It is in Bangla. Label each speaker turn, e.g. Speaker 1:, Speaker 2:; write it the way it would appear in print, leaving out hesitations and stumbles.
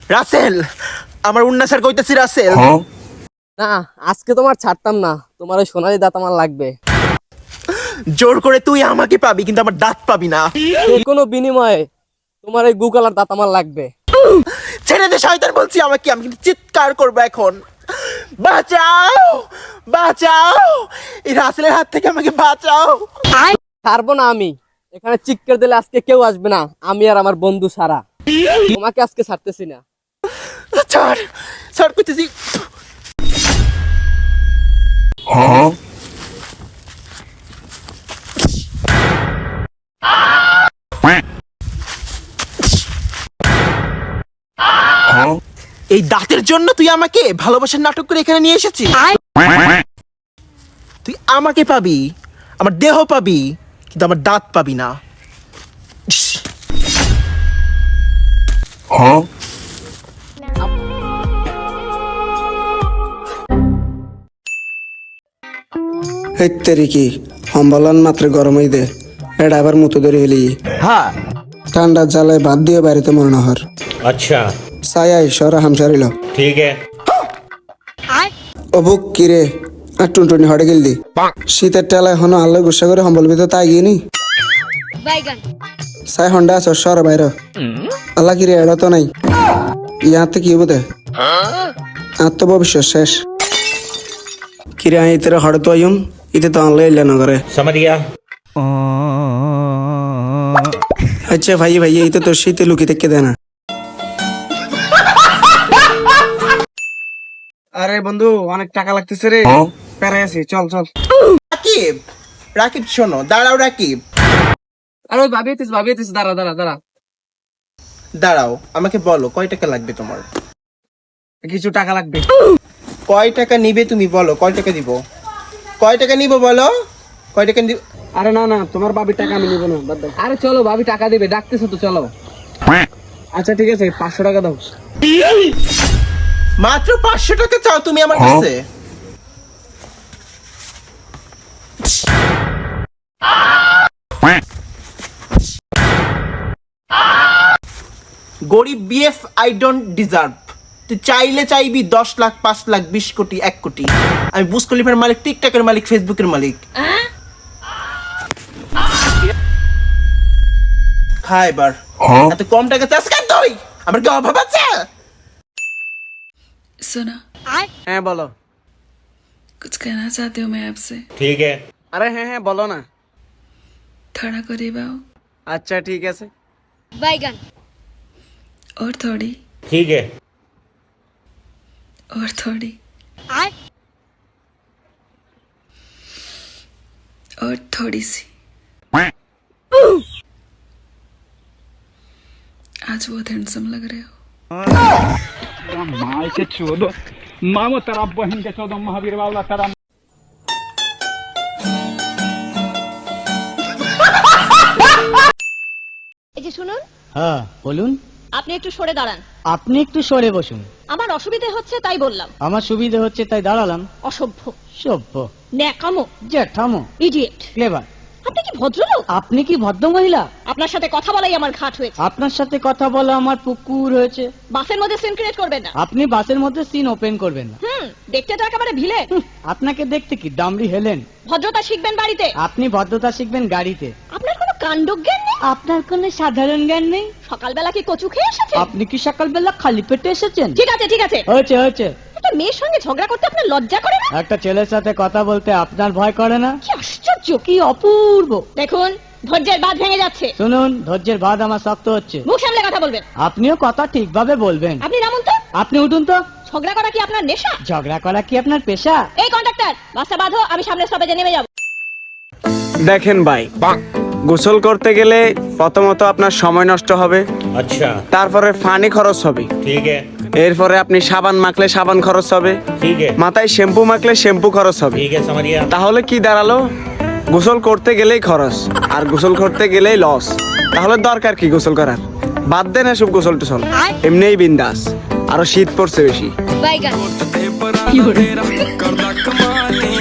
Speaker 1: রাসেল, আমার উন্নাসার কইতাছি রাসেল।
Speaker 2: না, আজকে তোমার ছাড়তাম না, তোমার ওই সোনালি দাঁত আমার লাগবে।
Speaker 1: জোর করে তুই আমাকে পাবি, কিন্তু আমার দাঁত পাবি না।
Speaker 2: যে কোনো বিনিময়ে তোমার এই গুকালার দাঁত আমার লাগবে।
Speaker 1: ছেড়ে দে শয়তান বলছি আমাকে, আমি কিন্তু চিৎকার করবো এখন। বাঁচাও, বাঁচাও, এই রাসেলের হাত থেকে আমাকে বাঁচাও।
Speaker 2: ছাড়বো না আমি, এখানে চিৎকার দিলে আজকে কেউ আসবে না, আমি আর আমার বন্ধু সারা। তোমাকে আজকে ছাড়তেছি না।
Speaker 1: ছাড়, ছাড় করতেছি। এই দাঁতের জন্য তুই আমাকে ভালোবাসার নাটক করে এখানে নিয়ে এসেছিস। তুই আমাকে পাবি, আমার দেহ পাবি, কিন্তু আমার দাঁত পাবি না।
Speaker 3: হেত্তেরি কি সম্বলন মাত্র গরমই দে, এটা আবার মতো ধরে হলি।
Speaker 1: হ্যাঁ,
Speaker 3: ঠান্ডার জ্বালায় বাদ দিয়ে বাড়িতে মনে হর।
Speaker 4: अच्छा
Speaker 3: সায়াই সরা হামসারিল
Speaker 4: ठीक है।
Speaker 3: অবুক কিরে আর টুনটুনি হটে গেল দি শীতের টেলায় হন আল্লাহ গুসা করে সম্বল ভিতর তাই গিয়ে নি সাই হন্ডা আস সর বাইর আল্লাহ কিরে এড়া তো নাই ইয়াতে কি বোধে আত্মবিশ্বাস শেষ কিরে আই ইতের হড়ে তো আইম ইতে তো আনলে এলে নগরে
Speaker 4: समझ गया।
Speaker 3: আচ্ছা ভাই ভাই ইতে তোর শীতে লুকি থেকে দেয় না। আরে বন্ধু অনেক টাকা লাগতেছে রে, পেরে আছি, চল চল।
Speaker 1: রাকিব, রাকিব শোনো, দাঁড়াও রাকিব,
Speaker 2: আর ওই ভাবিয়েছিস, দাঁড়া দাঁড়া দাঁড়া।
Speaker 1: দাঁড়াও, আমাকে বলো কয় টাকা লাগবে তোমার?
Speaker 3: কিছু টাকা লাগবে।
Speaker 1: কয় টাকা নিবে তুমি বলো, কয় টাকা দিব? কয় টাকা নিব বলো, কয় টাকা দিব?
Speaker 3: আরে না না, তোমার বাবির টাকা আমি নিব না, বাদ দাও।
Speaker 2: আরে চলো, ভাবি টাকা দিবে, ডাকতেছো তো, চলো।
Speaker 3: আচ্ছা ঠিক আছে, 500 টাকা দাও।
Speaker 1: মাত্র 500 টাকা চাও তুমি আমার কাছে? গরিব বিএফ, আই ডোন্ট ডিজার্ভ। তুই চাইলে চাইবি 10 লাখ, 5 লাখ, 20 কোটি, 1 কোটি। আমি বুজ খলিফার মালিক, টিকটকের মালিক, ফেসবুকের মালিক। খা এবার। এত কম টাকা চাস কেন তুই? আমার কি অভাব আছে?
Speaker 5: सुना,
Speaker 3: হ্যাঁ বলো।
Speaker 5: कुछ कहना चाहती हूँ मैं आपसे।
Speaker 4: ठीक है।
Speaker 3: আরে হ্যাঁ হ্যাঁ বলো না।
Speaker 5: थोड़ा करीब आओ
Speaker 3: আচ্ছা ঠিক আছে।
Speaker 5: और थोड़ी,
Speaker 4: ठीक है।
Speaker 5: और थोड़ी, और थोड़ी सी। आज बहुत हैंडसम लग रहे हो।
Speaker 6: माँ से चोदो मामो तेरा बहन के चोदो महावीर बाबला तेरा।
Speaker 7: এই যে শুনুন,
Speaker 8: হ্যাঁ বলুন।
Speaker 7: আপনি একটু সরে দাঁড়ান।
Speaker 8: আপনি একটু সরে বসুন।
Speaker 7: আমার অসুবিধে হচ্ছে তাই বললাম।
Speaker 8: আমার সুবিধা হচ্ছে তাই দাঁড়ালাম।
Speaker 7: অসভ্য,
Speaker 8: সভ্য,
Speaker 7: ন্যাকামো,
Speaker 8: জ্যাঠামো,
Speaker 7: ইডিয়েট।
Speaker 8: ক্লেভার।
Speaker 7: আপনি কি ভদ্রলোক?
Speaker 8: আপনি কি ভদ্র মহিলা?
Speaker 7: আপনার সাথে কথা বলাই আমার ঘাট হয়েছে।
Speaker 8: আপনার সাথে কথা বলা আমার পুকুর হয়েছে।
Speaker 7: বাসের মধ্যে সিন ক্রিয়েট করবেন না।
Speaker 8: আপনি বাসের মধ্যে সিন ওপেন করবেন না।
Speaker 7: দেখতে তো একেবারে ভিলে।
Speaker 8: আপনাকে দেখতে কি ডামরি হেলেন?
Speaker 7: ভদ্রতা শিখবেন বাড়িতে।
Speaker 8: আপনি ভদ্রতা শিখবেন গাড়িতে।
Speaker 7: আপনার কোনো কাণ্ডজ্ঞান নেই।
Speaker 8: আপনার কোনো সাধারণ জ্ঞান নেই।
Speaker 7: সকালবেলা কি কচু খেয়ে এসেছেন?
Speaker 8: আপনি কি সকালবেলা খালি পেটে এসেছেন?
Speaker 7: ঠিক আছে ঠিক আছে,
Speaker 8: হয়েছে হয়েছে।
Speaker 7: একটা মেয়ের সঙ্গে ঝগড়া করতে আপনার লজ্জা করে না?
Speaker 8: একটা ছেলের সাথে কথা বলতে আপনার ভয় করে না?
Speaker 7: কি আশ্চর্য,
Speaker 8: কি অপূর্ব।
Speaker 7: দেখুন ধৈর্যের বাঁধ ভেঙে যাচ্ছে।
Speaker 8: শুনুন, ধৈর্যের বাঁধ আমার শক্ত হচ্ছে।
Speaker 7: মুখ সামলে কথা বলবেন।
Speaker 8: আপনিও কথা ঠিকভাবে বলবেন।
Speaker 7: আপনি নামুন তো।
Speaker 8: আপনি উঠুন তো।
Speaker 7: ঝগড়া করা কি আপনার নেশা?
Speaker 8: ঝগড়া করা কি আপনার পেশা?
Speaker 7: এই কন্ডাক্টর, বাসটা বাঁধো, আমি সামনের স্টপেজে নেমে যাব।
Speaker 3: দেখেন ভাই, গোসল করতে গেলে প্রথমত আপনার সময় নষ্ট হবে,
Speaker 4: अच्छा
Speaker 3: তারপরে পানি খরচ হবে,
Speaker 4: ठीक है।
Speaker 3: এরপরে আপনি সাবান মাখলে সাবান খরচ হবে,
Speaker 4: ठीक है।
Speaker 3: মাথায় শ্যাম্পু মাখলে শ্যাম্পু খরচ হবে।
Speaker 4: ठीक है, समझ गया।
Speaker 3: তাহলে কি দাঁড়ালো? গোসল করতে গেলেই খরচ, আর গোসল করতে গেলেই লস। তাহলে দরকার কি গোসল করার? বাদ দেন এসব গোসল টোসল, এমনিই বিন্দাস। আরো শীত পড়ছে বেশি।